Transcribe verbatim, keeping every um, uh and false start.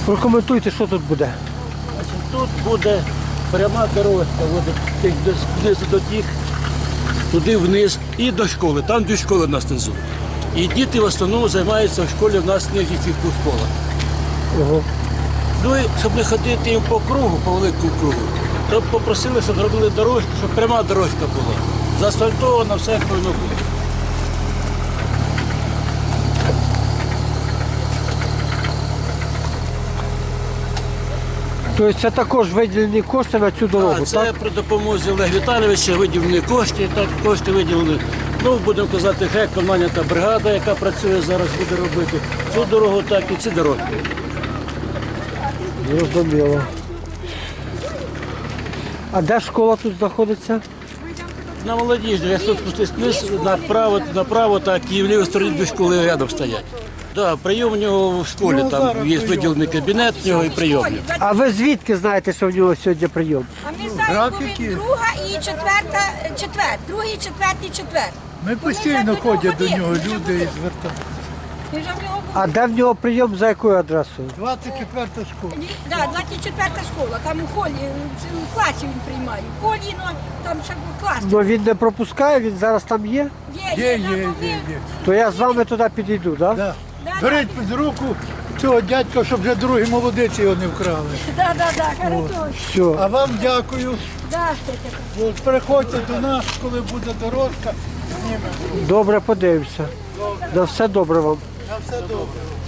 Прокоментуйте, що тут буде. Значить, тут буде пряма дорожка, от, знизу до тих, туди вниз і до школи. Там дві школи в нас внизу. І діти в основному займаються в школі, в нас не фізкультурна школа. Ого. Ну і щоб не ходити їм по кругу, по великому кругу, то попросили, щоб зробили дорожку, щоб пряма дорожка була. Заасфальтовано, все як повинно бути. Тобто це також виділені кошти на цю дорогу, А, це так? при допомозі Олега Віталійовича виділені кошти, так кошти виділені. Ну, будемо казати, хай команда та бригада, яка працює зараз, буде робити цю дорогу, так і ці дороги. Зрозуміло. А де школа тут знаходиться? На молодіжні, як тут спустись вниз, направо, направо, так і в лівій стороні дві школи рядом стоять. Да, прийом у нього в школі, там є виділений кабінет в нього і прийомник. А ви звідки знаєте, що в нього сьогодні прийом? А ми знаємо, коли друга і четверта, четвер, другий, четвертий, четвер. Ми постійно ходять до нього люди і звертаються. Ми вже в нього А де в нього прийом, за якою адресою? двадцять четверта школа. були. Да, двадцять четверта школа, там у холі, в класі він приймає. В холі, ну, там ще клас. Ну він не пропускає, він зараз там є? Є, Є, є, є, там є, вони- є. То я з вами туди підійду, так? Да. Да, Беріть під руку цього дядька, щоб вже другі молодиці його не вкрали. Да, да, да, хорошо. Все. А вам дякую. Да, що таке. От приходьте до нас, коли буде дорожка, знімемо. Добре, подивимося. Да, все добре вам. На все добре.